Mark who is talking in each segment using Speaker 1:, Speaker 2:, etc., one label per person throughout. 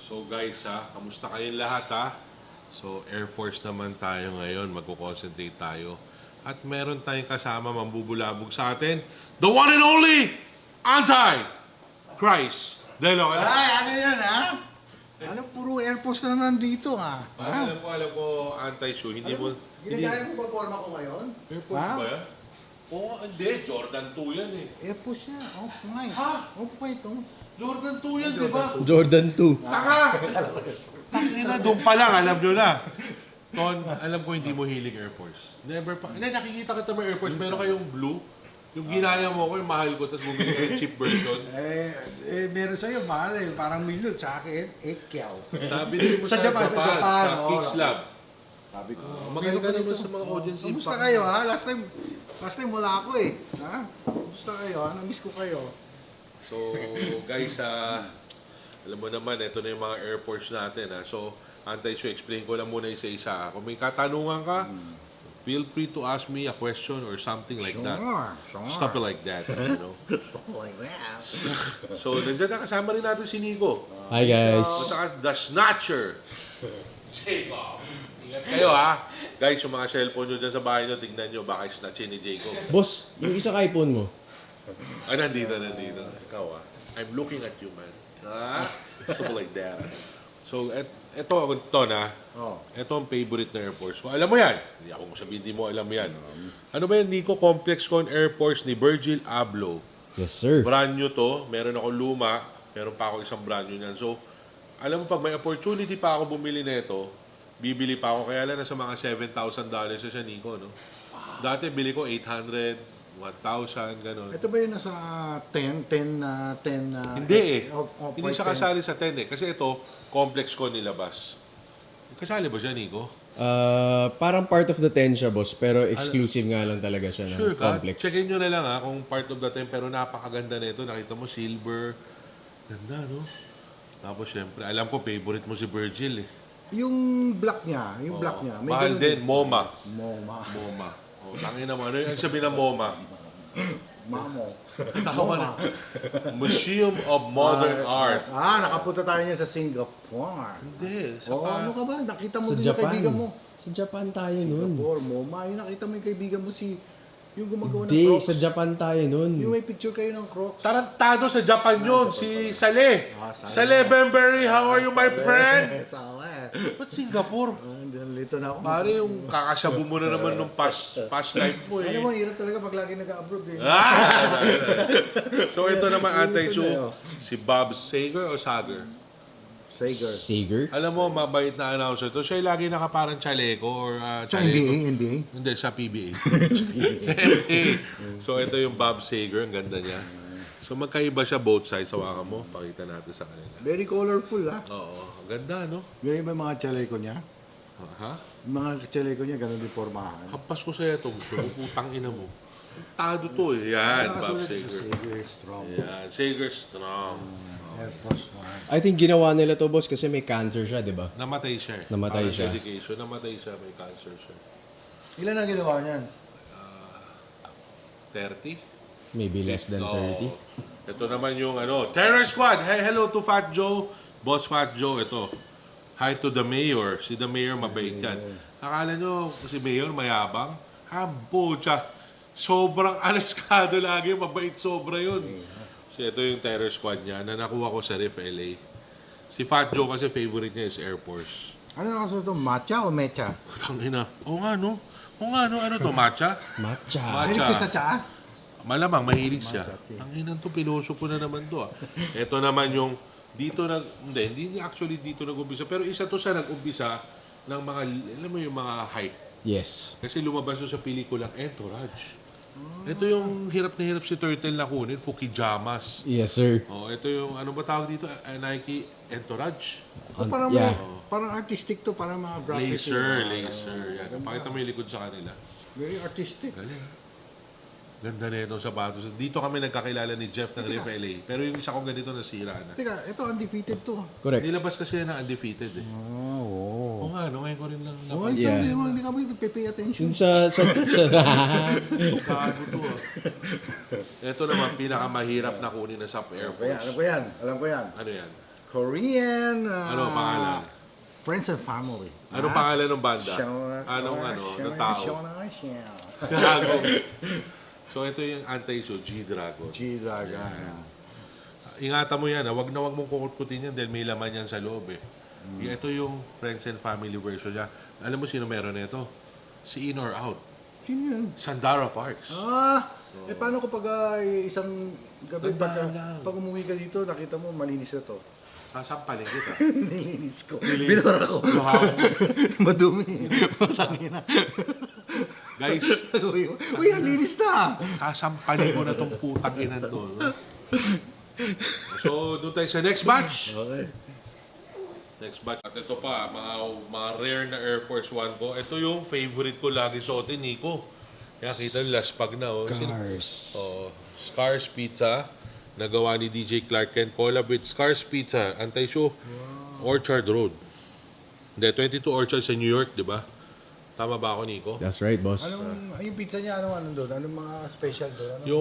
Speaker 1: So guys kamusta kayong lahat So Air Force naman tayo ngayon, magko-concentrate tayo. At meron tayong kasama mambubulabog sa atin, the one and only Anti-Christ De Loca.
Speaker 2: Ay, ano yan, ha? Ano, puro Air Force na nandito, ha?
Speaker 1: Alam ko, Anti-Shoe, hindi mo...
Speaker 2: Ginagaya mo ba forma ko ngayon?
Speaker 1: Air Force
Speaker 2: Ha?
Speaker 1: ba yan? Oo, hindi. Jordan 2 yan eh.
Speaker 2: Air Force yan. Off-white.
Speaker 1: Ha?
Speaker 2: Off-white, oh.
Speaker 1: Jordan 2 yan, di ba?
Speaker 3: Jordan 2.
Speaker 1: Taka! Tangina, doon pa lang, alam nyo na. Ton, alam ko hindi mo hilig Air Force. Never pa. Hindi, nakikita ka naman Air Force. Meron kayong blue. Yung ginaya mo ko, yung mahal ko, tapos bumili ka yung cheap version.
Speaker 2: Meron sa'yo, mahal eh. Parang milyon sa akin, 8 kyaw.
Speaker 1: Sabi din mo
Speaker 2: Sa Japan,
Speaker 1: sa
Speaker 2: oo.
Speaker 1: Kicks Lab.
Speaker 2: Sabi ko,
Speaker 1: Magaling ka naman sa mga audience
Speaker 2: Kamusta
Speaker 1: impact.
Speaker 2: kayo, ha? Last time wala ako eh. Ha? Kamusta kayo, ha? Namiss ko kayo.
Speaker 1: So, guys, alam mo naman, ito na yung mga Air Force natin. So, Anti-Shoe, explain ko lang muna isa-isa. Kung may katanungan ka, feel free to ask me a question or something like that.
Speaker 2: Sure.
Speaker 1: Stuff like that, you know.
Speaker 2: Stuff like that.
Speaker 1: So, nandiyan na kasama rin natin si Nico.
Speaker 3: Hi guys.
Speaker 1: At saka The Snatcher. Jacob. Ingat kayo Guys, yung mga cellphone nyo dyan sa bahay nyo, tignan nyo, baka snatchin ni Jacob.
Speaker 3: Boss, yung isa ka iPhone mo.
Speaker 1: Nandito. Ikaw I'm looking at you, man. Stuff like that. So, ito na.
Speaker 2: Oh.
Speaker 1: Ito ang favorite na Air Force ko. Alam mo yan. Hindi ako sabihin, hindi mo alam yan. Ano ba yan, Nico? Complex Con Air Force ni Virgil Abloh.
Speaker 3: Yes sir.
Speaker 1: Brand new to. Meron ako luma. Meron pa ako isang brand new niyan. So, alam mo, pag may opportunity pa ako bumili nito, bibili pa ako. Kaya lang nasa mga $7,000 na siya, Nico, no? Dati, bili ko 800, 1,000, gano'n.
Speaker 2: Ito ba yung nasa 10?
Speaker 1: Hindi Hindi siya
Speaker 2: 10.
Speaker 1: kasali sa 10 Kasi ito, complex ko nilabas. Kasali ba siya, Nico?
Speaker 3: Parang part of the 10 siya boss, pero exclusive nga lang talaga siya ng
Speaker 1: Sure ka?
Speaker 3: complex.
Speaker 1: Checkin nyo na lang kung part of the 10. Pero napakaganda na ito. Nakita mo, silver. Ganda, no? Tapos, syempre, alam ko, favorite mo si Virgil, eh.
Speaker 2: Yung black niya, may
Speaker 1: Mahal
Speaker 2: ganun
Speaker 1: din, MoMA.
Speaker 2: MoMA.
Speaker 1: Tangin naman. Ano yung sabi ng MoMA?
Speaker 2: Mamo.
Speaker 1: Tama na. Museum of Modern Art.
Speaker 2: Nakapunta tayo niya sa Singapore.
Speaker 1: Hindi.
Speaker 2: Ano ka ba? Nakita mo
Speaker 3: Sa
Speaker 2: din yung
Speaker 3: Japan.
Speaker 2: kaibigan mo.
Speaker 3: Sa Japan tayo nun.
Speaker 2: Singapore, MoMA. Yung nakita mo yung kaibigan mo yung gumagawa ng
Speaker 3: Hindi,
Speaker 2: Crocs.
Speaker 3: sa Japan tayo nun.
Speaker 2: Yung may picture kayo ng Crocs.
Speaker 1: Tarantado sa Japan yun. Si Saleh.
Speaker 2: Saleh.
Speaker 1: Saleh Bembury, how are you, my friend?
Speaker 2: Sala
Speaker 1: Ba't Singapore?
Speaker 2: Lito na ako.
Speaker 1: Pare, yung kakasabu mo na naman nung past life mo eh.
Speaker 2: Ano mo, hirap talaga pag lagi nag-abroad eh.
Speaker 1: So ito naman Anti-Shoe, si Bob Sager o Sager?
Speaker 3: Sager.
Speaker 1: Alam mo, mabait na announcer to. Siya yung lagi nakaparang chaleco or
Speaker 2: Sa
Speaker 1: chaleco.
Speaker 2: NBA?
Speaker 1: Hindi, sa PBA. So ito yung Bob Sager, ang ganda niya. So magkaiba siya both sides. Hawakan mo, pakita natin sa kanila.
Speaker 2: Very colorful
Speaker 1: Oo, ang ganda no?
Speaker 2: Ganyan ba yung mga chaleco niya?
Speaker 1: Ha?
Speaker 2: Yung mga chaleco niya, ganun din formahan.
Speaker 1: Hampas ko sa'yo ito. Gusto mo, putang ina mo. Tado to eh. Yan, Bob Sager.
Speaker 2: Sager strong.
Speaker 1: Yan, Sager strong.
Speaker 2: Air Force One.
Speaker 3: I think ginawa nila to boss kasi may cancer siya, di ba?
Speaker 1: Namatay siya eh.
Speaker 3: Namatay
Speaker 1: Parang
Speaker 3: siya.
Speaker 1: dedication. Namatay siya, may cancer siya.
Speaker 2: Ilan ang ginawa niyan?
Speaker 1: 30?
Speaker 3: Maybe less than 30.
Speaker 1: Oo. Ito naman yung Terror Squad. Hey, hello to Fat Joe. Boss Fat Joe, ito. Hi to the mayor. Si the mayor mabait yan. Akala nyo si mayor mayabang? Hambo, sobrang alaskado lagi. Mabait sobra yun. So ito yung Terror Squad niya na nakuha ko sa Ref LA. Si Fat Joe kasi favorite niya is Air Force.
Speaker 2: Ano ang kasunod ito? Matcha o mecha?
Speaker 1: Tangina. Oo nga no. Ano to? Matcha?
Speaker 3: Matcha.
Speaker 2: Mahilig siya sa tsaa?
Speaker 1: Malamang, mahilig siya.
Speaker 2: Matcha.
Speaker 1: Ang inang to, piloso ko na naman to. Ito naman yung, hindi actually dito nag-umpisa, pero isa to sa nag-umpisa ng mga, alam mo yung mga hype.
Speaker 3: Yes.
Speaker 1: Kasi lumabas to sa pelikulang Entourage. Ito yung hirap na hirap si Turtle na kunin, Fukijamas.
Speaker 3: Yes sir.
Speaker 1: Ito yung, ano ba tawag dito? Nike Entourage?
Speaker 2: Parang,
Speaker 3: Yeah.
Speaker 2: parang artistic to, parang mga graphics.
Speaker 1: Laser. Yan. Pakita mo yung likod sa kanila.
Speaker 2: Very artistic.
Speaker 1: Galing. Ganda na itong sapatos. Dito kami nagkakilala ni Jeff ng Ref LA. Pero yung isa kong ganito nasira na.
Speaker 2: Teka, ito undefeated to.
Speaker 3: Correct.
Speaker 1: Nilabas kasi yan na undefeated eh. Oo nga, ngayon ko rin lang
Speaker 2: Oh,
Speaker 1: napag-
Speaker 3: Yeah.
Speaker 2: hindi ka ba nagpe-pay attention?
Speaker 3: Yun sa
Speaker 1: Gago to Ito naman, pinakamahirap na kunin na sa Air Force.
Speaker 2: Alam ko yan.
Speaker 1: Ano yan?
Speaker 2: Korean.
Speaker 1: Ano pangalan?
Speaker 2: Friends and Family.
Speaker 1: Anong pangalan ng banda? Anong ng tao?
Speaker 2: Shona.
Speaker 1: Gago. So ito yung anti-show, G-Dragon.
Speaker 2: G-Dragon.
Speaker 1: Ingatan mo yan, wag na wag mong kukutkutin yan dahil may laman yan sa loob eh. Ito yung Friends and Family version niya. Alam mo sino meron nito? Si In or Out.
Speaker 2: Sino yun?
Speaker 1: Sandara Parks.
Speaker 2: Paano kapag isang gabi
Speaker 1: Tandaan lang.
Speaker 2: pag umuwi ka dito, nakita mo malinis na to?
Speaker 1: Sampalin kita.
Speaker 2: Nilinis ko. Binura ko. Madumi. Matangina.
Speaker 1: Guys,
Speaker 2: Uy, ang linis na.
Speaker 1: kasampalin ko na tong putang inan to. So, doon tayo sa next batch.
Speaker 2: Okay.
Speaker 1: Next batch. At ito pa, mga rare na Air Force One ko. Ito yung favorite ko lagi suotin, Nico. Kaya kita nyo, laspag na. Oh.
Speaker 3: Cars.
Speaker 1: Scars Pizza. Nagawa ni DJ Clark Kent. Collab with Scars Pizza. Anti-show. Orchard Road. Hindi, 22 Orchard sa New York, di ba? Tama ba ako, Nico?
Speaker 3: That's right, boss.
Speaker 2: Yung pizza niya, ano doon? Anong mga special doon?
Speaker 1: Yung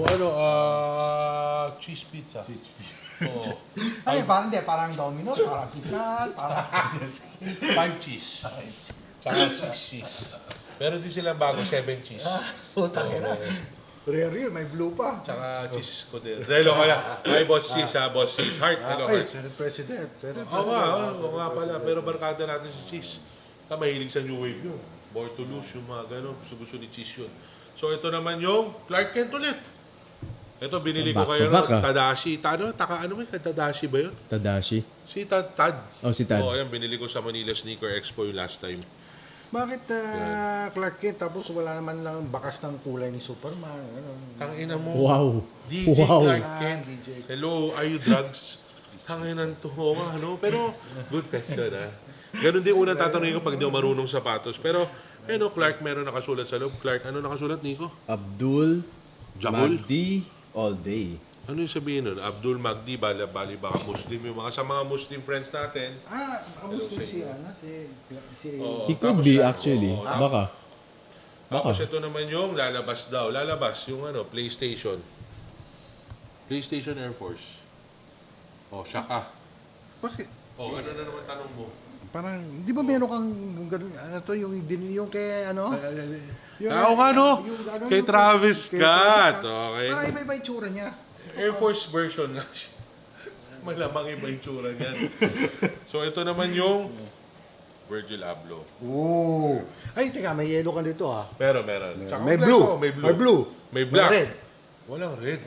Speaker 1: cheese pizza. Oo.
Speaker 2: Ay, parang hindi. Parang Domino's, parang pizza, parang...
Speaker 1: 5 cheese. Tsaka 6 cheese. Meron din silang bago, 7 cheese.
Speaker 2: Putang ina. Rare yun, may blue pa.
Speaker 1: Tsaka cheese ko din. Dahil ako na, ay boss cheese ha, boss cheese. Heart, hello
Speaker 2: Ay,
Speaker 1: heart.
Speaker 2: Senate President.
Speaker 1: Oo nga pala. Pero barkada natin si cheese. Mahilig sa New Wave yun. More to lose, yung mga gano'n. Gusto ni cheese yun. So ito naman yung Clark Kent ulit. Ito, binili ko
Speaker 3: Back
Speaker 1: kayo
Speaker 3: to back,
Speaker 1: ng Tadashi. Ano may Tadashi ba yun?
Speaker 3: Tadashi.
Speaker 1: Si Tad.
Speaker 3: Oh, si Tad.
Speaker 1: Oo, ayan, binili ko sa Manila Sneaker Expo yung last time.
Speaker 2: Bakit Clark Kent tapos wala naman lang bakas ng kulay ni Superman?
Speaker 1: Tangina mo.
Speaker 3: Wow.
Speaker 1: DJ
Speaker 3: Wow.
Speaker 1: Clark Kent.
Speaker 2: DJ.
Speaker 1: Hello, are you drugs? Tanginan to. Oo nga, ano? Pero, good question, ha? Ganon din unang tatanungin ko pag di ako marunong sapatos. Pero, Clark, meron nakasulat sa loob. Clark, ano nakasulat, Nico?
Speaker 3: Abdul
Speaker 1: Jabul?
Speaker 3: Magdi all day.
Speaker 1: Ano yung sabihin nun? Abdul Magdi, bali baka Muslim. Yung mga sa mga Muslim friends natin.
Speaker 2: Ang gusto si Ana, si
Speaker 1: Oo,
Speaker 3: He could
Speaker 1: tapos
Speaker 3: be
Speaker 1: yan,
Speaker 3: actually.
Speaker 1: oo.
Speaker 3: Baka.
Speaker 1: Tapos ito naman yung lalabas daw. Lalabas yung PlayStation. PlayStation Air Force. Shaka.
Speaker 2: Bakit?
Speaker 1: Ano na naman tanong mo?
Speaker 2: Parang, di ba meron kang ganun, yung kay ano?
Speaker 1: Oo nga, no? Kay Travis
Speaker 2: kay
Speaker 1: Scott.
Speaker 2: Travis Scott.
Speaker 1: Okay.
Speaker 2: Parang iba-iba yung tsura niya.
Speaker 1: Air Force version nga siya. Malamang iba yung tsura niyan. So, ito naman yung Virgil Abloh.
Speaker 2: Oo. Ay, teka, may yellow ka dito ha.
Speaker 1: Meron. Tsaka
Speaker 2: May
Speaker 1: black
Speaker 2: blue.
Speaker 1: ako, May blue.
Speaker 2: May blue.
Speaker 1: May black.
Speaker 2: May red.
Speaker 1: Walang red.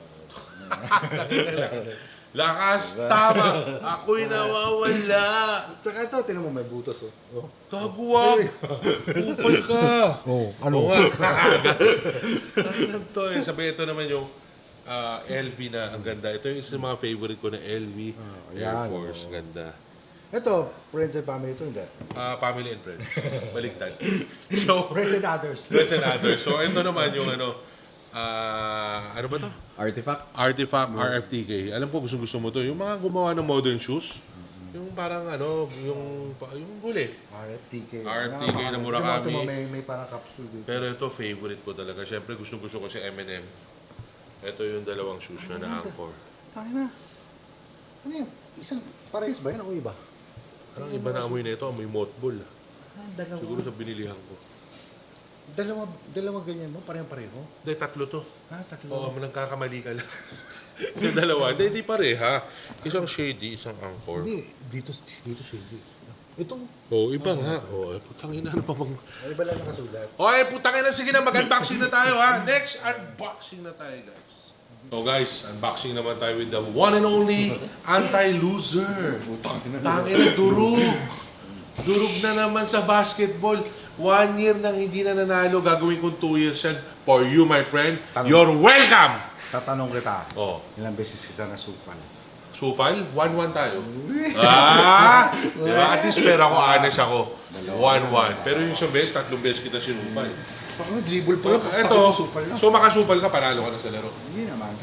Speaker 1: Lakas, tama. Ako'y nawawala.
Speaker 2: Tsaka ito, tinan mo, may butos oh.
Speaker 1: Gaguwag. Kupal ka.
Speaker 2: Ano?
Speaker 1: Oo nga. Ano to eh. Sabi, ito naman yung LV na ang ganda. Ito yung isa mga favorite ko na LV Air
Speaker 2: yan,
Speaker 1: Force. Ganda.
Speaker 2: Ito, friends and family ito, hindi.
Speaker 1: Family and friends. Baliktad. So,
Speaker 2: Friends and others.
Speaker 1: friends and others. So, ito naman yung ano ba to? Artifact RFTK. Alam ko gusto mo to. Yung mga gumawa ng modern shoes. Yung parang yung huli.
Speaker 2: RFTK.
Speaker 1: RFTK na Murakami.
Speaker 2: May parang capsule dito.
Speaker 1: Pero ito, favorite ko talaga. Siyempre, gusto ko si M&M. Ito yung dalawang shoes na Angkor.
Speaker 2: Ay na. Ano yan? Isang parehas ba yan o iba?
Speaker 1: Parang iba na amoy na ito. Amoy mothball.
Speaker 2: Dalawa.
Speaker 1: Siguro sa binilihan ko.
Speaker 2: Dalawa ganyan mo? Parehong-pareho?
Speaker 1: Hindi, tatlo to.
Speaker 2: Tatlo.
Speaker 1: Oo, nagkakamali ka lang. Yung dalawa. Hindi pareha. Isang shady, isang Angkor.
Speaker 2: Hindi, dito shady. Itong,
Speaker 1: Iba nga. Putang ina, ano pa bang...
Speaker 2: iba lang nakasulat.
Speaker 1: Okay, putang ina, sige na, mag-unboxing na tayo ha. Next, unboxing na tayo guys. So guys, unboxing naman tayo with the one and only anti-loser. Tangina, durug. Durug na naman sa basketball. 1 year nang hindi na nanalo, gagawin kong 2 years yan. For you, my friend, you're welcome!
Speaker 2: Tatanong kita,
Speaker 1: Ilang
Speaker 2: beses kita nasupal?
Speaker 1: Supal, 1-1 tayo. Diba? At least pera ko, honest ako. 1-1. Pero yung isang beses, 3 beses kita sinupal.
Speaker 2: Paano dribble pa lang?
Speaker 1: Ito, so makasupal ka, panalo ka na sa laro.
Speaker 2: Hindi naman.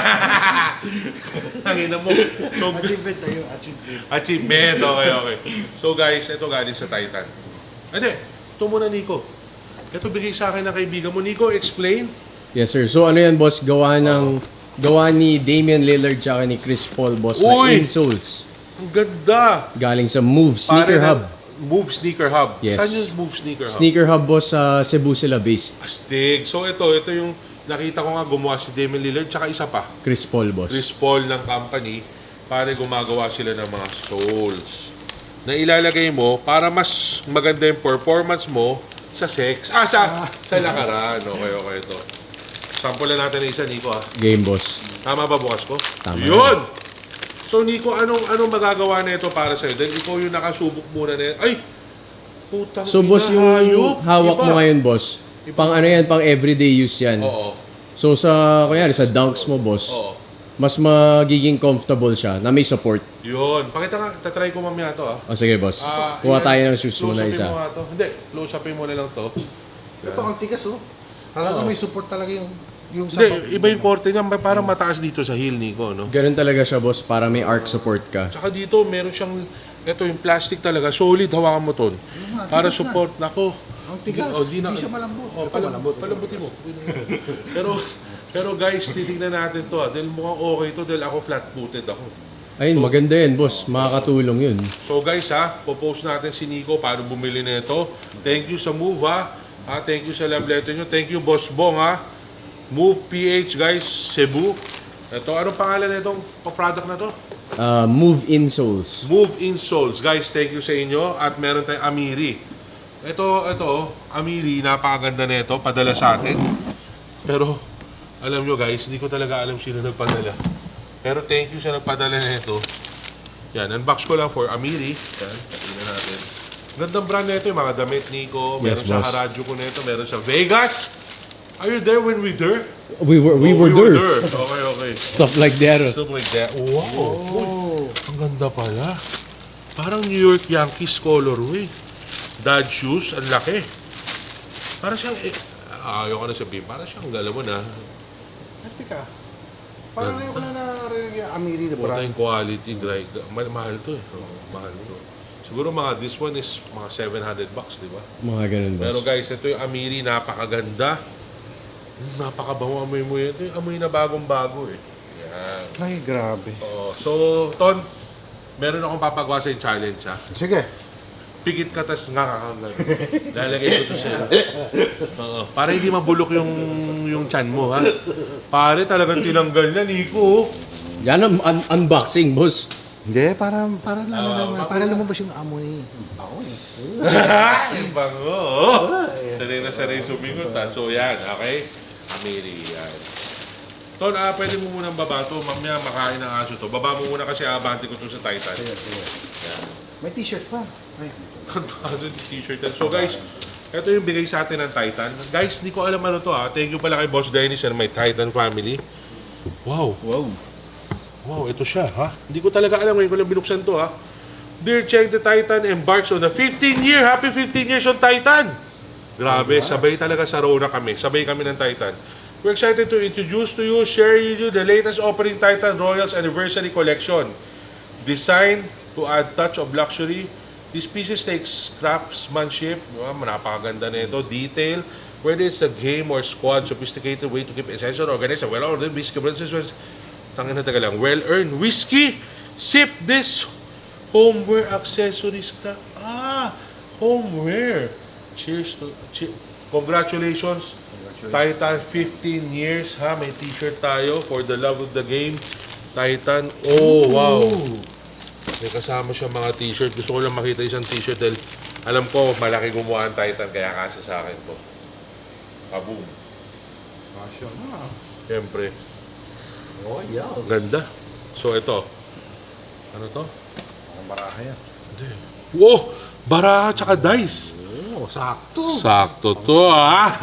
Speaker 1: Tangina mo. So,
Speaker 2: Achievement tayo, achievement.
Speaker 1: achievement, okay. So guys, ito galing sa Titan. Hindi, ito muna Nico. Ito bigay sa akin ng kaibigan mo. Nico, explain.
Speaker 3: Yes, sir. So, ano yan, boss? Gawa ni Damian Lillard tsaka ni Chris Paul, boss, na
Speaker 1: Uy!
Speaker 3: insoles.
Speaker 1: Ang ganda!
Speaker 3: Galing sa Move Sneaker Hub.
Speaker 1: Move Sneaker Hub.
Speaker 3: Yes.
Speaker 1: Saan yung Move Sneaker Hub?
Speaker 3: Sneaker Hub, boss, sa Cebu sila based.
Speaker 1: Astig. So ito yung nakita ko nga gumawa si Damian Lillard tsaka isa pa.
Speaker 3: Chris Paul, boss.
Speaker 1: Chris Paul ng company para gumagawa sila ng mga soles na ilalagay mo para mas maganda yung performance mo sa sa lakaran. Okay, ito. Sample na natin na isa, Nico, ha?
Speaker 3: Game, boss.
Speaker 1: Tama ba bukas ko?
Speaker 3: Tama.
Speaker 1: Yun! So, Nico, anong magagawa na ito para sa'yo? Dahil ikaw yung nakasubok muna na yan. Ay! Putang
Speaker 3: So, boss,
Speaker 1: ina, hayop!
Speaker 3: yung hawak
Speaker 1: Iba.
Speaker 3: mo ngayon, boss, pang ano yan, pang everyday use yan.
Speaker 1: Oo.
Speaker 3: So, kunyari, sa dunks mo, boss,
Speaker 1: Oo.
Speaker 3: mas magiging comfortable siya na may support.
Speaker 1: Yun. Pakita nga, tatry ko mamaya to, ha?
Speaker 3: O, sige, boss.
Speaker 1: Ayan.
Speaker 3: Kuha tayo ng shoes mo na
Speaker 1: Close-upin
Speaker 3: isa.
Speaker 1: mo nga to. Hindi, close-upin mo na lang to.
Speaker 2: Ito ang tigas, oh. Talaga may support talaga yung
Speaker 1: Hindi, iba yung korte niya. Parang mataas dito sa heel, Nico, no?
Speaker 3: Ganun talaga siya, boss, para may arc support ka.
Speaker 1: Tsaka dito, meron siyang, ito yung plastic talaga, solid, hawakan mo ton.
Speaker 2: nga,
Speaker 1: Para
Speaker 2: tigas
Speaker 1: support, nako.
Speaker 2: Ang tigas.
Speaker 1: Di
Speaker 2: Hindi siya malambot.
Speaker 1: Oh,
Speaker 2: Ito malambot.
Speaker 1: palambutin mo. pero guys, titignan natin to, dahil mukhang okay to, dahil ako flat-footed ako.
Speaker 3: Ayun, maganda yun, boss. Makakatulong yun.
Speaker 1: So guys, popost natin si Nico paano bumili nito. Thank you sa Move, thank you sa love letter nyo. Thank you, Boss Bong, Move PH, guys, Cebu. Ito, anong pangalan na itong product na to?
Speaker 3: Move insoles.
Speaker 1: Move Insoles. Guys, thank you sa inyo. At meron tayong Amiri. Ito, Amiri, napakaganda nito. Padala sa atin. Pero, alam nyo guys, hindi ko talaga alam sino nagpadala. Pero thank you sa nagpadala nito. Yan, unbox ko lang for Amiri. Yan, tingnan natin. Gandang brand nito, yung mga damit, Nico. Meron
Speaker 3: Yes,
Speaker 1: sa
Speaker 3: boss.
Speaker 1: Haradju ko nito. Meron sa Vegas. Are you there when we there?
Speaker 3: We were there.
Speaker 1: Okay.
Speaker 3: Stuff like that.
Speaker 1: Stuff like that. Wow. Uy, ang ganda pala. Parang New York Yankees colorway. Dad shoes, ang laki. Parang siyang, ayoko na sabihin, parang siyang galaw na.
Speaker 2: Teka. Parang ngayon ko lang narinig yung Amiri na
Speaker 1: Puta
Speaker 2: brand.
Speaker 1: yung quality, mahal to eh. Mahal to. Siguro this one is mga $700, di ba?
Speaker 3: Mga ganun, boss.
Speaker 1: Pero guys, ito yung Amiri, napakaganda. Napakabango amoy mo yun. Ito yung amoy na bagong-bago eh. Yan.
Speaker 2: Ay, grabe.
Speaker 1: Oo. So, Ton, meron akong papagawa sa yung challenge, ha?
Speaker 2: Sige.
Speaker 1: Pikit ka, tas ngakakanggal. Lalagay ko to sa'yo. Oo. Para hindi mabulok yung chan mo, ha? Pare, talagang tinanggal na, Nico.
Speaker 3: Yan ang unboxing, boss.
Speaker 2: Hindi, para lumabas yung amoy. Amoy.
Speaker 1: Yung bango. Sanay na sanay sumingot, ha? So, yan, okay? Amiri, yan. Ton, pwede mo munang baba to. Mamaya makain ng aso to. Baba mo muna kasi abante ko to sa Titan. Yan.
Speaker 2: May t-shirt pa. Ay.
Speaker 1: Ano yung t-shirt yan. So guys, ito yung bigay sa atin ng Titan. Guys, hindi ko alam ano to ha. Thank you pala kay Boss Dennis and my Titan family. Wow. Wow, ito siya ha. Hindi ko talaga alam ngayon ko lang binuksan to ha. Dear Cheng the Titan embarks on a 15-year, happy 15 years on Titan. Grabe, sabay talaga sa Rona kami. Sabay kami ng Titan. We're excited to introduce to you, share with you the latest opening Titan Royals Anniversary Collection. Designed to add touch of luxury. These pieces takes craftsmanship, napakaganda nito, detail, whether it's a game or squad, sophisticated way to keep essential, organized, and well-ordered whiskey brands. Tangin na taga lang, well-earned whiskey. Sip this homeware accessories. Homeware. Cheers to... Congratulations. Titan, 15 years, ha? May t-shirt tayo for the love of the game. Titan. Oh, wow. May kasama siya mga t-shirt. Gusto ko lang makita isang t-shirt dahil alam ko malaki gumawa ang Titan kaya kasa sa akin to. Kaboom.
Speaker 2: Fashion na.
Speaker 1: Siyempre.
Speaker 2: Oh, yeah.
Speaker 1: Ganda. So, ito. Ano to?
Speaker 2: Ang baraha yan.
Speaker 1: Wow! Baraha tsaka dice.
Speaker 2: Oh, sakto.
Speaker 1: Sakto to, ha?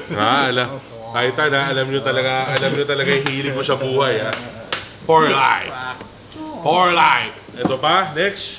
Speaker 1: Titan, ha? Alam nyo talaga yung hilig ko sa buhay, ha? For life. For life. Ito pa, next.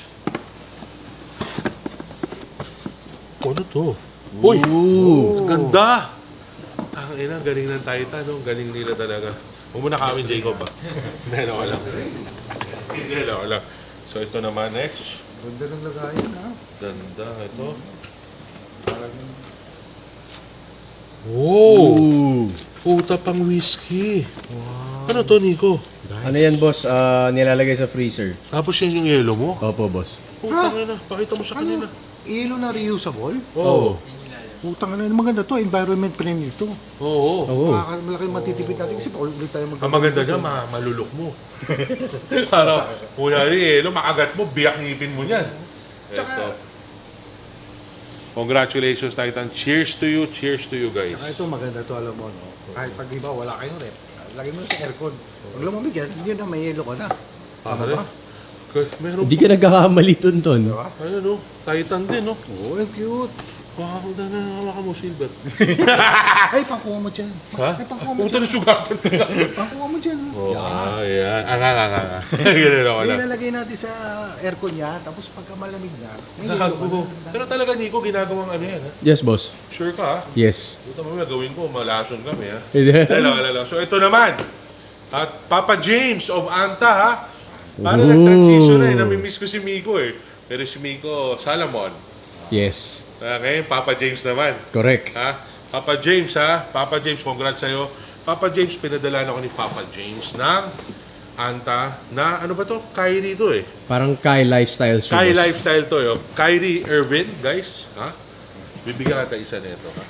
Speaker 1: Ano to? Uy! Ang ganda! Ang ina, galing ng Titan, no? Galing nila talaga. Huwag mo na kawin, Jacob, ha? Hindi, no, wala. Hindi, no, wala. So, ito naman, next.
Speaker 2: Ganda ng lagayan, ha?
Speaker 1: Ganda, ito.
Speaker 2: Parang
Speaker 1: Oh!
Speaker 3: Ooh.
Speaker 1: Puta pang whiskey. Ano to, Nico?
Speaker 3: Ano yan, boss? Nilalagay sa freezer.
Speaker 1: Tapos yan yung yelo mo?
Speaker 3: Opo, boss.
Speaker 1: Putang ina, pakita mo sa kanila.
Speaker 2: Ilo na reusable?
Speaker 1: Oo.
Speaker 2: Putang ina, maganda to, environment friendly to.
Speaker 1: Oo.
Speaker 3: Oo.
Speaker 2: Malaki matitipid natin kasi ulit tayo
Speaker 1: Ang maganda dyan, malulok mo. Para, kunyari, makagat mo, biyak ngipin mo niyan. Ito. Congratulations, Titan. Cheers to you guys.
Speaker 2: Saka ito maganda to, alam mo, no? Kahit pag iba, wala kayong rep. Lagay mo sa aircon. Pag lumamig yan, hindi na may yelo ka na.
Speaker 1: Ano ba? Meron
Speaker 3: Hindi ka nagkakamali, Tonton.
Speaker 2: Diba?
Speaker 1: Ayun, Titan din, no?
Speaker 2: Oo, ang cute.
Speaker 1: Wow, na hawakan mo, Silver.
Speaker 2: Ay, pangkuha mo dyan.
Speaker 1: Ha?
Speaker 2: Ay, pangkuha mo
Speaker 1: Puta
Speaker 2: dyan.
Speaker 1: na sugatan.
Speaker 2: Pangkuha mo dyan.
Speaker 1: Oo,
Speaker 2: Yan.
Speaker 1: ayan. Ganun ako lang.
Speaker 2: Ilalagay natin sa aircon niya, tapos pagka malamig na, may yelo ka
Speaker 1: Gago.
Speaker 2: na.
Speaker 1: Pero talaga, Nico, ginagawang ano yan, ha?
Speaker 3: Yes, boss.
Speaker 1: Sure ka, ha?
Speaker 3: Yes.
Speaker 1: Puta mo, gawin ko, malason kami, ha? Hello. So, ito naman. At Papa James of Anta, ha? Paano
Speaker 3: Ooh.
Speaker 1: nag-transition na, namimiss ko si Miko, eh. Pero si Miko, Salamon.
Speaker 3: Yes.
Speaker 1: Okay, Papa James naman.
Speaker 3: Correct.
Speaker 1: Ha? Papa James, ha? Papa James, congrats sa'yo. Papa James, pinadala ako ni Papa James ng Anta na, ano ba to? Kyrie to, eh.
Speaker 3: Parang Kai Lifestyle show,
Speaker 1: Kai
Speaker 3: boss.
Speaker 1: Lifestyle to, yo. Kyrie Irvin, guys. Ha? Bibigyan natin isa nito, ha?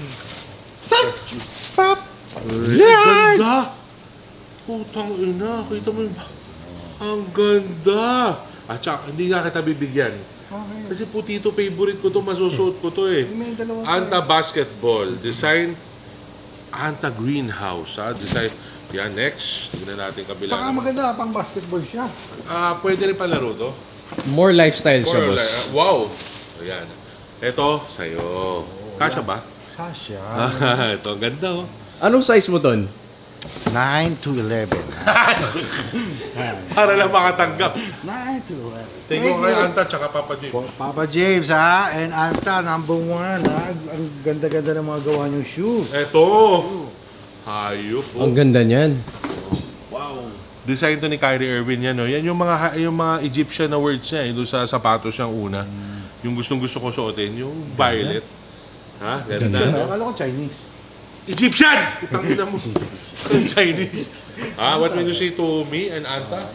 Speaker 2: Pop!
Speaker 1: Ganda! Putang ina, kita mo yung... Ang ganda! At saka, hindi nga kita bibigyan.
Speaker 2: Okay.
Speaker 1: Kasi putito, favorite ko to, masusuot ko to, eh.
Speaker 2: May dalawang
Speaker 1: Anta Basketball, design Anta Greenhouse, ha? Design, yan, next. Tignan natin kabila
Speaker 2: Saka
Speaker 1: naman.
Speaker 2: maganda, pang basketball siya.
Speaker 1: Pwede rin palaro to.
Speaker 3: More lifestyle siya,
Speaker 1: Or,
Speaker 3: boss.
Speaker 1: wow! Ayan. Ito, sa'yo. Kasya ba?
Speaker 2: Kasya.
Speaker 1: Ito, ang ganda, oh.
Speaker 3: Anong size mo, Ton?
Speaker 2: 9 to 11.
Speaker 1: Para lang makatanggap.
Speaker 2: 9 to 11.
Speaker 1: Tingin ko kay Anta tsaka Papa James.
Speaker 2: Papa James, ha? And Anta, number 1, ha? Ang ganda-ganda ng mga gawa niyong shoes.
Speaker 1: Ito! Hayop, oh.
Speaker 3: Ang ganda niyan.
Speaker 1: Wow. Design to ni Kyrie Irving yan, no? Yan yung mga Egyptian na words niya, doon sa sapatos niyang una. Yung gustong-gusto ko suotin, yung violet. Ha? Ganda, no?
Speaker 2: Akala ko Chinese.
Speaker 1: Egyptian! Tangina mo. Chinese. What will you say to me and Anta?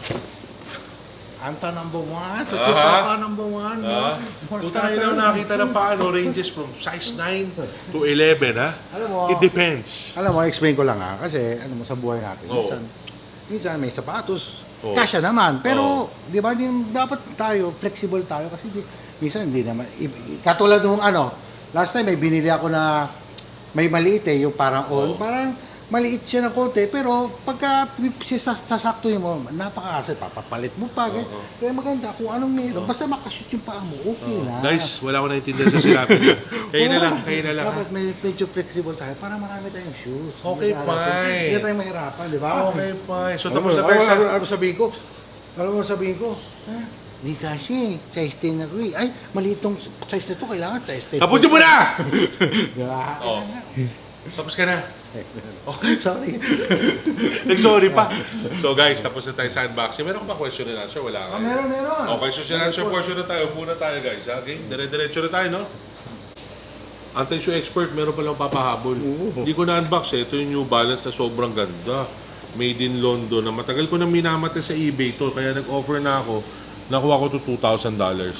Speaker 2: Anta number 1. So,
Speaker 1: Aha.
Speaker 2: Papa number 1.
Speaker 1: Kung tayo lang nakita ng paano, ranges from size 9 to 11, ha?
Speaker 2: Alam mo,
Speaker 1: It depends.
Speaker 2: Alam mo, explain ko lang, ha? Kasi, ano mo, sa buhay natin.
Speaker 1: Oo.
Speaker 2: Minsan may sapatos.
Speaker 1: Oo.
Speaker 2: Kasya naman. Pero,
Speaker 1: Oo.
Speaker 2: di ba, dapat tayo, flexible tayo. Kasi minsan hindi naman. Katulad nung last time may binili ako na may maliit yung parang all.
Speaker 1: Oo.
Speaker 2: Parang maliit siya ng konti. Pero pagka sasaktuhin mo, napaka-asset. Papapalit mo pa.
Speaker 1: Oo.
Speaker 2: Kaya maganda kung anong meron. Basta makashoot yung paa mo, okay na.
Speaker 1: Guys, wala ko naintindihan sa sinabi niyo. Kayo na lang, kayo na lang.
Speaker 2: Dapat may medyo flexible tayo para marami tayong shoes.
Speaker 1: Okay, fine.
Speaker 2: Hindi tayo mahirapan, di ba?
Speaker 1: Okay, fine. So, tapos na tayo sa...
Speaker 2: Ano sabihin ko? Alam mo sabihin ko? Hindi kasi, size 10 na ko eh. Ay, malitong size na to, kailangan size 10.
Speaker 1: Tapusin mo na!
Speaker 2: Diba?
Speaker 1: Oo. Tapos ka na.
Speaker 2: Sorry.
Speaker 1: Nag-sorry pa. So guys, tapos na tayo sa unboxing. Meron ka ba question and answer? Wala ka.
Speaker 2: Meron.
Speaker 1: Okay, question and answer portion na tayo. Muna tayo guys. Okay? Dire-diretso na tayo, no? Anti-shoe expert, meron palang papahabol. Hindi ko na-unbox eh. Ito yung New Balance na sobrang ganda. Made in London. Na matagal ko nang minamate sa eBay to. Kaya nag-offer na ako. Nakuha ko to $2,000.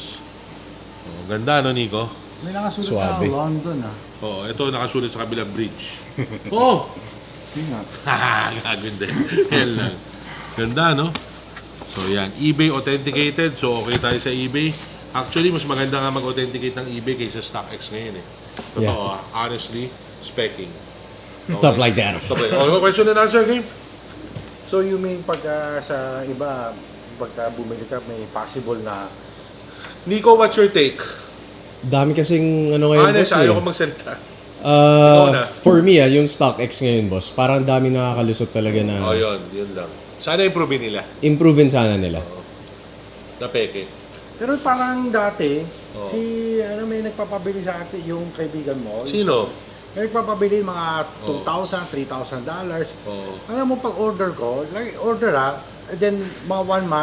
Speaker 1: Oh, ganda, no, Nico?
Speaker 2: May nakasulat
Speaker 3: Suabe.
Speaker 2: na London
Speaker 1: Oh, ito nakasulat sa kabilang bridge. Oh!
Speaker 2: Tingnan.
Speaker 1: Gagawin din. Yan lang. Ganda, no? So, yan. eBay authenticated. So, okay tayo sa eBay. Actually, mas maganda nga mag-authenticate ng eBay kaysa StockX ngayon, eh. Totoo,
Speaker 3: Yeah.
Speaker 1: honestly, speccing.
Speaker 3: Stuff like that.
Speaker 1: Stop like that. Okay, question and answer game.
Speaker 2: So you mean pagka sa iba, pagka bumili ka, may possible na
Speaker 1: Nico, what's your take?
Speaker 3: Dami kasing ano ngayon,
Speaker 1: Honest,
Speaker 3: boss eh.
Speaker 1: ayaw ko magsalita. Ikaw na.
Speaker 3: For me, yung StockX ngayon, boss, parang dami nakakalusot talaga na
Speaker 1: Oh, yun lang. Sana improve nila.
Speaker 3: improvein sana nila.
Speaker 1: Na peke.
Speaker 2: pero parang dati,
Speaker 1: Oo.
Speaker 2: may nagpapabili sa atin, yung kaibigan mo.
Speaker 1: Sino?
Speaker 2: May nagpapabili mga
Speaker 1: Oo.
Speaker 2: $2,000, $3,000.
Speaker 1: Oh.
Speaker 2: Alam mo, pag order ko, like order and then mga 1 month,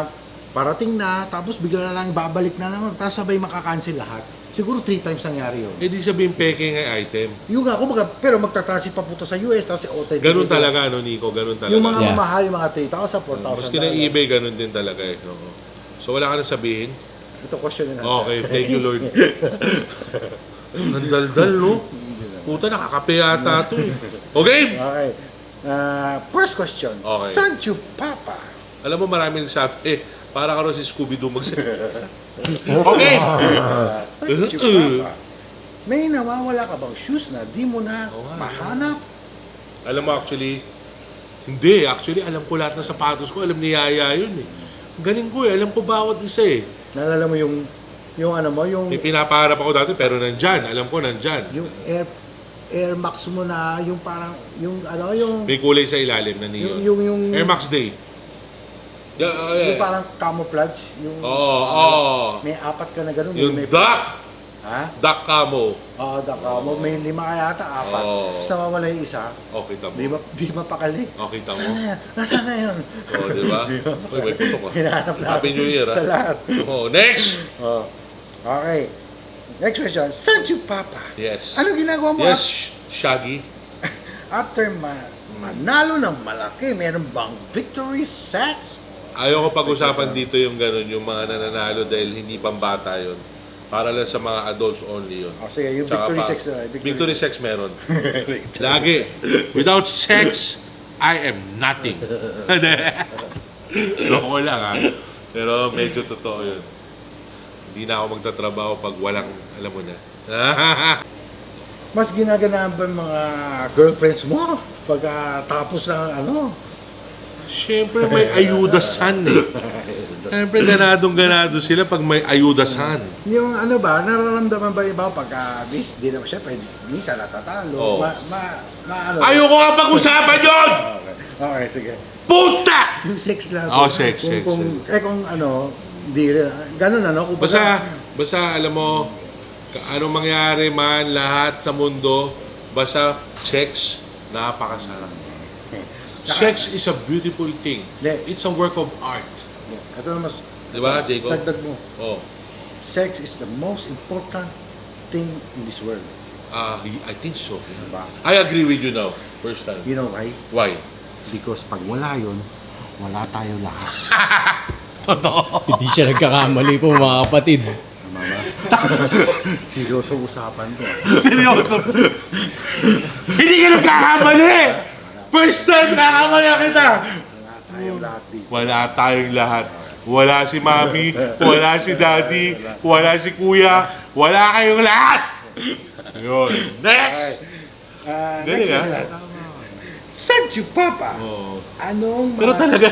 Speaker 2: parating na, tapos bigla na lang babalik na naman, tapos sabay makakancel lahat. Siguro 3 times nangyari yun.
Speaker 1: Eh di sabihin peke nga item.
Speaker 2: Yung nga, kumbaga, pero magta-transit pa punta sa US, tapos OTP.
Speaker 1: Ganun talaga, no, Nico? Ganun talaga.
Speaker 2: Yung mga
Speaker 3: Yeah.
Speaker 2: mamahal, yung mga 3,000, 4,000.
Speaker 1: Maski na eBay, ganun din talaga eh. Oo. So wala ka na sabihin?
Speaker 2: Ito question na
Speaker 1: Okay, thank you Lord. Ang daldal, no? Puta, nakakape yata ito eh. Okay?
Speaker 2: Okay. First question.
Speaker 1: Okay.
Speaker 2: Sancho Papa.
Speaker 1: Alam mo, maraming nagsabi, para ka rin si Scooby-Doo Okay!
Speaker 2: Sancho Papa. May nawawala ka bang shoes na di mo na
Speaker 1: Oo nga.
Speaker 2: mahanap?
Speaker 1: Alam mo, actually, hindi. Actually, alam ko lahat ng sapatos ko. Alam ni Yaya yun eh. Ang galing ko eh. Alam ko bawat isa eh.
Speaker 2: Naalala mo yung ano mo, yung
Speaker 1: May pinapaharap ako dati, pero nandyan. Alam ko, nandyan.
Speaker 2: yung Air Max mo na yung parang yung ano yung
Speaker 1: May kulay sa ilalim na neon.
Speaker 2: yung
Speaker 1: Air Max Day. Yeah,
Speaker 2: yung parang camouflage yung
Speaker 1: Oo.
Speaker 2: may 4 ka na ganun
Speaker 1: Yung
Speaker 2: may
Speaker 1: duck.
Speaker 2: ha?
Speaker 1: Duck camo.
Speaker 2: Mo may 5 ka yata 4
Speaker 1: Oo.
Speaker 2: tapos nawawala yung isa
Speaker 1: Okay, tamo.
Speaker 2: di mapakali
Speaker 1: Okay, tamo.
Speaker 2: nasaan na yun
Speaker 1: Oo, di ba? Uy, may putok ah.
Speaker 2: hinahanap na
Speaker 1: Happy New Year,
Speaker 2: sa
Speaker 1: ah.
Speaker 2: lahat
Speaker 1: Oo, next!
Speaker 2: okay next question Sancho Papa
Speaker 1: Yes.
Speaker 2: ano ginagawa mo
Speaker 1: Yes, Shaggy.
Speaker 2: after manalo ng malaki meron bang victory sex?
Speaker 1: Ayoko pag-usapan dito yung gano'n, yung mga nananalo dahil hindi pambata yun. Para lang sa mga adults only yun.
Speaker 2: Sige, yung
Speaker 1: Tsaka
Speaker 2: victory
Speaker 1: pa-
Speaker 2: sex
Speaker 1: Victory sex meron. Lagi. Without sex, I am nothing. Loko lang ha. Pero medyo totoo yun. Hindi na ako magtatrabaho pag walang, alam mo na.
Speaker 2: Mas ginaganaan ba yung mga girlfriends mo pag tapos ng ano?
Speaker 1: Siyempre may ayudasan eh. Siyempre ganadong-ganado sila pag may ayudasan.
Speaker 2: Yung ano ba, nararamdaman ba iba pag di naman syempre, minsan natatalo.
Speaker 1: Oo.
Speaker 2: Ano?
Speaker 1: Ayoko nga pag-usapan yun!
Speaker 2: Okay, sige.
Speaker 1: Puta!
Speaker 2: Yung sex lang.
Speaker 1: Oh, sex.
Speaker 2: Kung ano, di rin. Ganun ano. Kung
Speaker 1: Basta alam mo, anong mangyari man, lahat sa mundo, basta sex, napakasarap. Sex is a beautiful thing.
Speaker 2: Hindi.
Speaker 1: It's a work of art.
Speaker 2: Ito na mas,
Speaker 1: Di ba, Jacob?
Speaker 2: dagdag mo.
Speaker 1: Oh.
Speaker 2: Sex is the most important thing in this world.
Speaker 1: I think so.
Speaker 2: Diba?
Speaker 1: I agree with you now. First time.
Speaker 2: You know why?
Speaker 1: Why?
Speaker 2: Because pag wala yun, wala tayo lahat.
Speaker 3: Hindi siya nagkakamali po mga kapatid.
Speaker 2: Tama ba? Seryoso usapan to.
Speaker 1: Seryoso? Hindi ka nagkakamali! First time nakakamali kita!
Speaker 2: Wala tayo lahat dito.
Speaker 1: Wala tayong lahat. Wala si mami, wala si daddy, wala si kuya, wala kayong lahat! Yun. Next! Galing
Speaker 2: Next
Speaker 1: ah.
Speaker 2: question. Sancho Papa,
Speaker 1: Oh.
Speaker 2: anong
Speaker 1: Pero talaga.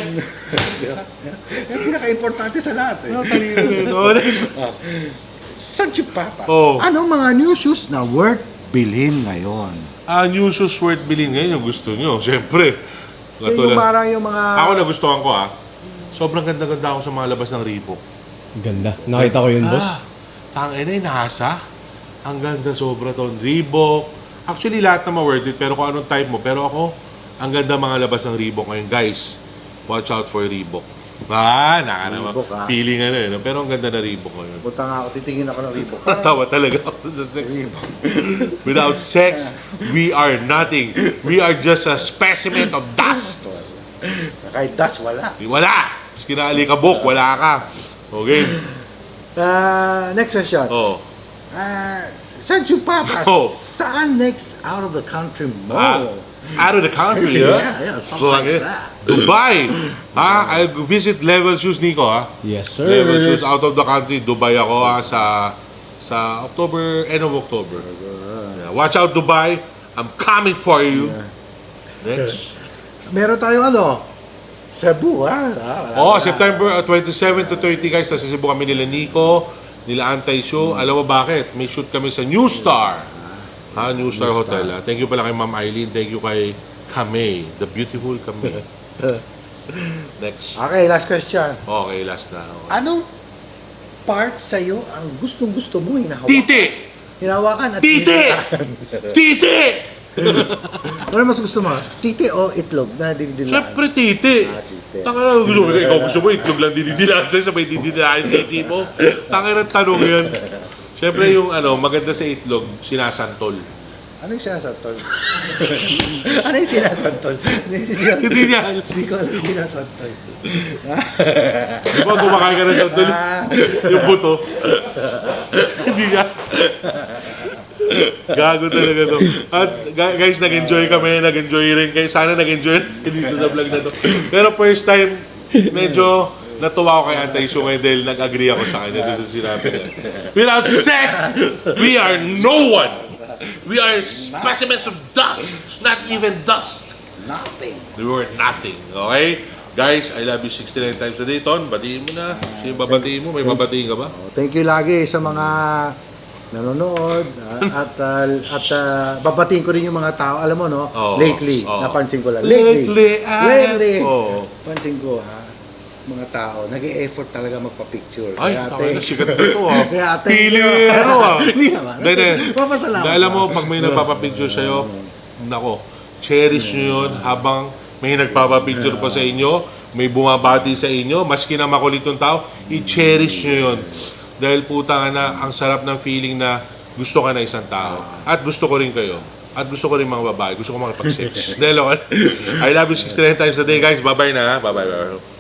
Speaker 2: Yung pinaka-importante sa lahat eh.
Speaker 1: Ano kanina nito? Next.
Speaker 2: Sancho Papa,
Speaker 1: Oh.
Speaker 2: anong mga new shoes na worth bilhin ngayon?
Speaker 1: New shoes worth bilhin ngayon yung gusto nyo. Siyempre.
Speaker 2: Yung parang yung mga...
Speaker 1: Ako nagustuhan ko Sobrang ganda-ganda ako sa mga labas ng Reebok.
Speaker 3: Ganda. Nakita ko yun, boss.
Speaker 1: Tangina yung nasa. Ang ganda sobra to. Reebok. Actually, lahat naman worth it. Pero kung anong type mo. Pero ako, ang ganda mga labas ng Reebok ngayon. Guys, watch out for Reebok. Naka naman.
Speaker 2: Reebok,
Speaker 1: Feeling ano. Pero ang ganda na Reebok ngayon.
Speaker 2: Punta nga ako, titingin ako ng Reebok.
Speaker 1: Tawa talaga ako sa sex. Without sex, we are nothing. We are just a specimen of dust.
Speaker 2: Kahit dust, wala.
Speaker 1: Wala! Mas kinaalikabok, wala ka. Okay?
Speaker 2: Next question.
Speaker 1: Oh.
Speaker 2: Sancho Papa,
Speaker 1: Oh.
Speaker 2: saan next out of the country mo?
Speaker 1: Out of the country,
Speaker 2: Yeah, something
Speaker 1: Slang
Speaker 2: like
Speaker 1: it.
Speaker 2: that.
Speaker 1: Dubai! I'll visit Level Shoes, Nico,
Speaker 3: Yes, sir.
Speaker 1: Level Shoes out of the country. Dubai ako, sa October, end of October. Yeah. Watch out, Dubai. I'm coming for you. Next.
Speaker 2: Meron tayong Cebu, ha?
Speaker 1: September 27 to 30, guys. Nasa Cebu kami nila Nico, nila Anti-Show. Alam mo bakit? May shoot kami sa New Star. New Star Hotel. Thank you pala kay Ma'am Eileen. Thank you kay Kamei. The beautiful Kamei. Next.
Speaker 2: Okay, last question.
Speaker 1: Okay, last na. Okay.
Speaker 2: Anong part sa'yo ang gustong-gusto mo hinahawakan?
Speaker 1: Titi!
Speaker 2: Hinahawakan at
Speaker 1: Titi!
Speaker 2: hinahawakan.
Speaker 1: Titi!
Speaker 2: Ano mas gusto mo? Titi o itlog na dinidilaan?
Speaker 1: Siyempre, titi.
Speaker 2: Titi.
Speaker 1: Tanga na, ikaw gusto mo, itlog lang dinidilaan sa'yo, sabay dinidilaan yung titi mo. Tanga na tanong yan. Siyempre yung maganda sa itlog, sinasantol.
Speaker 2: Ano yung sinasantol? Ano yung sinasantol?
Speaker 1: Hindi niya.
Speaker 2: Hindi ko alam yung sinasantol.
Speaker 1: Di ba kumakain ka ng santol? Yung buto. Hindi niya. Gago talaga to. At guys, nag-enjoy kami, nag-enjoy rin kayo. Sana nag-enjoy rin dito sa vlog na to. Pero first time, medyo natuwa ako kay Antay Sungay dahil nag-agree ako sa kanya doon sa sinabi niya. Without sex, we are no one. We are specimens of dust, not even dust.
Speaker 2: Nothing.
Speaker 1: We were nothing, okay? Guys, I love you 69 times a day, Ton. Batiin mo na. Sino babatiin mo? May babatiin ka ba?
Speaker 2: Thank you lagi sa mga nanonood at babatiin ko rin yung mga tao, alam mo no,
Speaker 1: Oo.
Speaker 2: lately,
Speaker 1: Oo.
Speaker 2: napansin ko lang.
Speaker 1: Lately,
Speaker 2: Lately.
Speaker 1: Oo.
Speaker 2: Pansin ko mga tao, nag-e-effort talaga magpa-picture.
Speaker 1: Ay,
Speaker 2: Kaya
Speaker 1: taka na, sikat dito ah.
Speaker 2: Kaya ate,
Speaker 1: Pilero ah.
Speaker 2: Hindi naman.
Speaker 1: Hindi.
Speaker 2: Papasalamat.
Speaker 1: Dahil alam mo, pag may nagpapapicture sa'yo, nako, cherish nyo yun habang may nagpapapicture pa sa inyo, may bumabati sa inyo, maski na makulit yung tao, i-cherish nyo yun. Dahil puta nga na, ang sarap ng feeling na gusto ka na isang tao. At gusto ko rin kayo. At gusto ko rin mga babae. Gusto ko makipag-sex. Dahil I love you 69 times a day, guys. Bye-bye na ha. Bye-bye.